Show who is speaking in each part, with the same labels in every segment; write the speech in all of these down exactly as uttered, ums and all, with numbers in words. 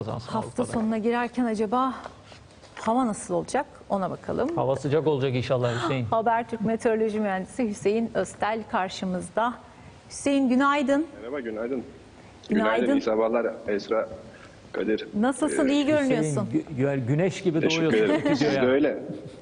Speaker 1: Hafta sonuna girerken acaba hava nasıl olacak ona bakalım.
Speaker 2: Hava sıcak olacak inşallah Hüseyin.
Speaker 1: Habertürk Meteoroloji Mühendisi Hüseyin Öztel karşımızda. Hüseyin günaydın.
Speaker 3: Merhaba, günaydın.
Speaker 1: Günaydın.
Speaker 3: Günaydın, iyi sabahlar Esra, Kadir.
Speaker 1: Nasılsın, iyi görünüyorsun.
Speaker 2: Hüseyin, gü- güneş gibi
Speaker 3: Teşekkür
Speaker 2: doğuyorsun.
Speaker 3: ederim. Siz de öyle.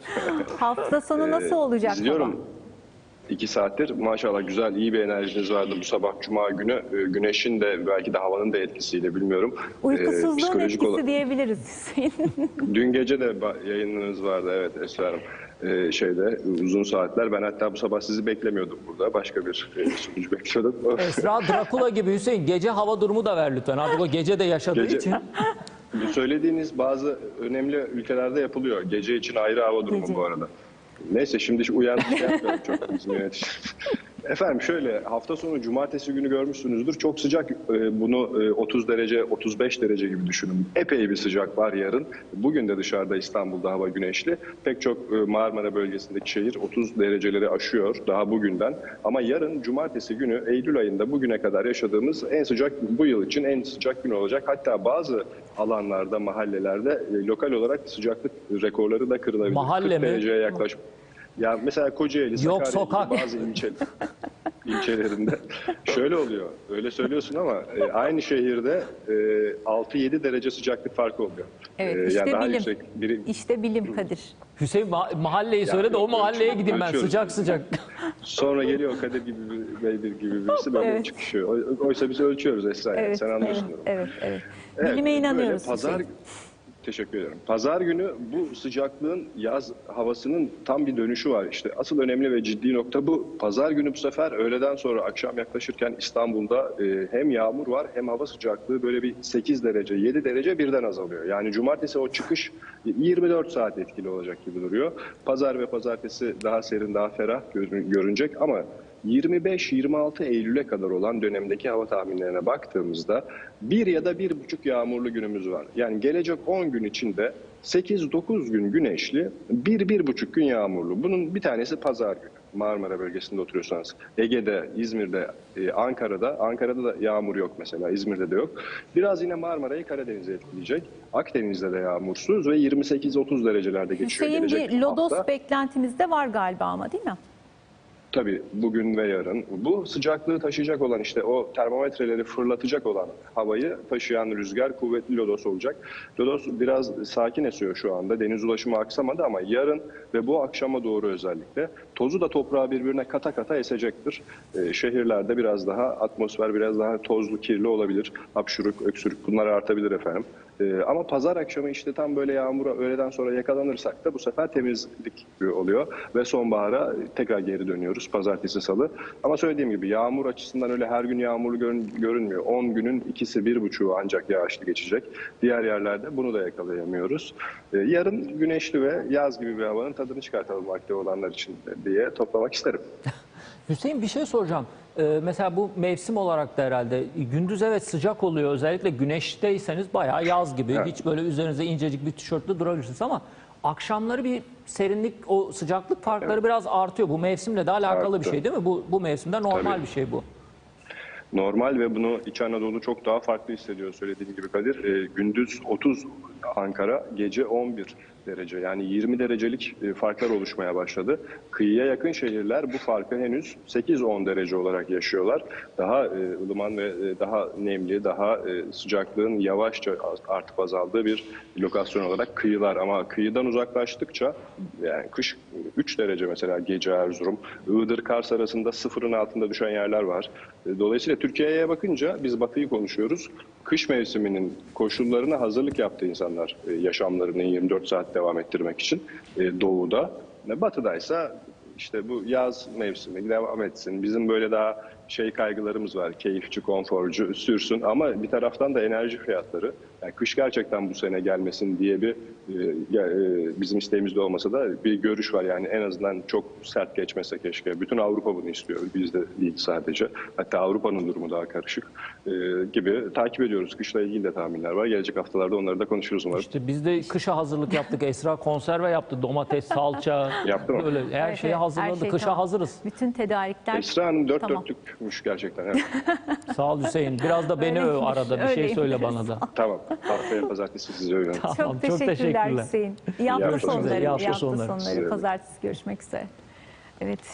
Speaker 1: Hafta sonu nasıl olacak
Speaker 3: İzliyorum.
Speaker 1: hava?
Speaker 3: İki saattir maşallah güzel, iyi bir enerjiniz vardı bu sabah Cuma günü. Ee, Güneşin de belki de havanın da etkisiyle bilmiyorum.
Speaker 1: Uykusuzluğun
Speaker 3: Ee, psikolojik
Speaker 1: etkisi
Speaker 3: olarak-
Speaker 1: diyebiliriz Hüseyin.
Speaker 3: Dün gece de ba- yayınınız vardı, evet Esra Hanım. Ee, şeyde uzun saatler. Ben hatta bu sabah sizi beklemiyordum burada. Başka bir e, sunucu bekliyordum.
Speaker 2: Esra Drakula gibi Hüseyin. Gece hava durumu da ver lütfen. Artık o gece de yaşadığı
Speaker 3: Gece-
Speaker 2: için.
Speaker 3: Bu söylediğiniz bazı önemli ülkelerde yapılıyor. Gece için ayrı hava durumu
Speaker 1: Gece.
Speaker 3: bu arada. Neyse şimdi uyandık şey yapmıyorum çok bizim yönetici. Efendim şöyle, hafta sonu cumartesi günü görmüşsünüzdür. Çok sıcak, e, bunu e, otuz derece, otuz beş derece gibi düşünün. Epey bir sıcak var yarın. Bugün de dışarıda İstanbul'da hava güneşli. Pek çok e, Marmara bölgesindeki şehir otuz dereceleri aşıyor daha bugünden. Ama yarın cumartesi günü Eylül ayında bugüne kadar yaşadığımız en sıcak, bu yıl için en sıcak gün olacak. Hatta bazı alanlarda, mahallelerde e, lokal olarak sıcaklık rekorları da kırılabilir.
Speaker 2: Mahalle
Speaker 3: kırk
Speaker 2: mi?
Speaker 3: dereceye yaklaş. Ya mesela Kocaeli,
Speaker 2: Yok,
Speaker 3: Sakarya
Speaker 2: sokak.
Speaker 3: gibi bazı ilçe, ilçelerinde şöyle oluyor. Öyle söylüyorsun ama e, aynı şehirde e, altı yedi derece sıcaklık farkı oluyor.
Speaker 1: Evet,
Speaker 3: E,
Speaker 1: işte
Speaker 3: yani daha
Speaker 1: bilim.
Speaker 3: yüksek biri,
Speaker 1: İşte bilim Kadir.
Speaker 2: Hüseyin ma- mahalleyi söyle de
Speaker 3: yok,
Speaker 2: o mahalleye
Speaker 3: ölçüyoruz,
Speaker 2: gideyim ben
Speaker 3: ölçüyoruz.
Speaker 2: sıcak sıcak.
Speaker 3: sonra geliyor Kadir gibi bir, Bey bir gibi birisi böyle
Speaker 1: Evet.
Speaker 3: çıkışıyor. Oy- Oysa biz ölçüyoruz Esra. yani,
Speaker 1: Evet,
Speaker 3: sen
Speaker 1: evet,
Speaker 3: anlıyorsun.
Speaker 1: evet, evet.
Speaker 3: Evet,
Speaker 1: Bilime
Speaker 3: böyle
Speaker 1: inanıyoruz
Speaker 3: Pazar,
Speaker 1: Hüseyin.
Speaker 3: teşekkür ederim. Pazar günü bu sıcaklığın yaz havasının tam bir dönüşü var. İşte asıl önemli ve ciddi nokta bu. Pazar günü bu sefer öğleden sonra akşam yaklaşırken İstanbul'da e, hem yağmur var hem hava sıcaklığı böyle bir sekiz derece, yedi derece birden azalıyor. Yani cumartesi o çıkış yirmi dört saat etkili olacak gibi duruyor. Pazar ve pazartesi daha serin, daha ferah görün- görünecek ama yirmi beş yirmi altı Eylül'e kadar olan dönemdeki hava tahminlerine baktığımızda bir ya da bir buçuk yağmurlu günümüz var. Yani gelecek on gün içinde sekiz dokuz gün güneşli, bir bir buçuk gün yağmurlu. Bunun bir tanesi pazar günü. Marmara bölgesinde oturuyorsanız. Ege'de, İzmir'de, e, Ankara'da. Ankara'da da yağmur yok mesela. İzmir'de de yok. Biraz yine Marmara'yı, Karadeniz'e etkileyecek. Akdeniz'de de yağmursuz ve yirmi sekiz otuz derecelerde geçiyor.
Speaker 1: Hüseyin
Speaker 3: gelecek
Speaker 1: bir lodos
Speaker 3: hafta.
Speaker 1: beklentimiz de var galiba ama değil mi?
Speaker 3: Tabii bugün ve yarın. Bu sıcaklığı taşıyacak olan işte o termometreleri fırlatacak olan havayı taşıyan rüzgar kuvvetli lodos olacak. Lodos biraz sakin esiyor şu anda. Deniz ulaşımı aksamadı ama yarın ve bu akşama doğru özellikle tozu da toprağa birbirine kata kata esecektir. Ee, şehirlerde biraz daha atmosfer biraz daha tozlu, kirli olabilir. Hapşuruk, öksürük bunlar artabilir efendim. Ee, ama pazar akşamı işte tam böyle yağmura öğleden sonra yakalanırsak da bu sefer temizlik oluyor ve sonbahara tekrar geri dönüyoruz pazartesi salı. Ama söylediğim gibi yağmur açısından öyle her gün yağmurlu görün, görünmüyor. on günün ikisi bir buçuğu ancak yağışlı geçecek. Diğer yerlerde bunu da yakalayamıyoruz. Ee, yarın güneşli ve yaz gibi bir havanın tadını çıkartalım vakti olanlar için diye toplamak isterim.
Speaker 2: Hüseyin bir şey soracağım. Ee, mesela bu mevsim olarak da herhalde gündüz evet sıcak oluyor. Özellikle güneşteyseniz bayağı yaz gibi.
Speaker 3: Evet.
Speaker 2: Hiç böyle üzerinize incecik bir tişörtle durabilirsiniz ama akşamları bir serinlik, o sıcaklık farkları
Speaker 3: Evet.
Speaker 2: biraz artıyor. Bu mevsimle de alakalı
Speaker 3: Arttı.
Speaker 2: bir şey değil mi? Bu, bu mevsimde normal
Speaker 3: Tabii.
Speaker 2: bir şey bu.
Speaker 3: Normal ve bunu İç Anadolu çok daha farklı hissediyor söylediğim gibi Kadir. E, gündüz otuz Ankara, gece on bir derece yani yirmi derecelik e, farklar oluşmaya başladı. Kıyıya yakın şehirler bu farkı henüz sekiz on derece olarak yaşıyorlar. Daha e, ılıman ve e, daha nemli, daha e, sıcaklığın yavaşça artıp azaldığı bir lokasyon olarak kıyılar. Ama kıyıdan uzaklaştıkça yani kış üç derece mesela gece Erzurum, Iğdır, Kars arasında sıfırın altında düşen yerler var. E, Dolayısıyla Türkiye'ye bakınca biz Batı'yı konuşuyoruz. Kış mevsiminin koşullarına hazırlık yaptı insanlar e, yaşamlarını yirmi dört saat devam ettirmek için e, doğuda. Batı'daysa işte bu yaz mevsimi devam etsin. Bizim böyle daha şey kaygılarımız var. Keyifçi, konforcu sürsün ama bir taraftan da enerji fiyatları. Yani kış gerçekten bu sene gelmesin diye bir e, e, bizim isteğimizde olmasa da bir görüş var. Yani en azından çok sert geçmese keşke. Bütün Avrupa bunu istiyor. Biz de değil sadece. Hatta Avrupa'nın durumu daha karışık e, gibi takip ediyoruz. Kışla ilgili de tahminler var. Gelecek haftalarda onları da konuşuruz umarım.
Speaker 2: İşte biz de kışa hazırlık yaptık. Esra konserve yaptı. Domates, salça.
Speaker 3: Yaptı mı?
Speaker 2: Böyle her
Speaker 1: Evet,
Speaker 2: şeye
Speaker 1: evet,
Speaker 2: hazırladı.
Speaker 1: her şey
Speaker 2: Kışa
Speaker 1: tamam.
Speaker 2: hazırız.
Speaker 1: Bütün tedarikler
Speaker 3: Esra Hanım dört
Speaker 1: tamam.
Speaker 3: dörtlük soğukmuş gerçekten. Evet.
Speaker 2: Sağ ol Hüseyin. Biraz da beni öv
Speaker 1: Öyleymiş,
Speaker 2: arada. Bir şey
Speaker 1: öyleymiş.
Speaker 2: söyle bana da.
Speaker 3: Tamam. Haftaya pazartesi sizi övüyorum.
Speaker 2: Tamam,
Speaker 1: Çok teşekkürler,
Speaker 2: teşekkürler.
Speaker 1: Hüseyin. İyi hafta
Speaker 3: hafta
Speaker 1: sonları.
Speaker 3: sonları,
Speaker 1: İyi
Speaker 2: iyi
Speaker 1: hafta
Speaker 2: hafta sonları.
Speaker 1: sonları.
Speaker 3: Size de.
Speaker 1: Pazartesi görüşmek üzere. Evet.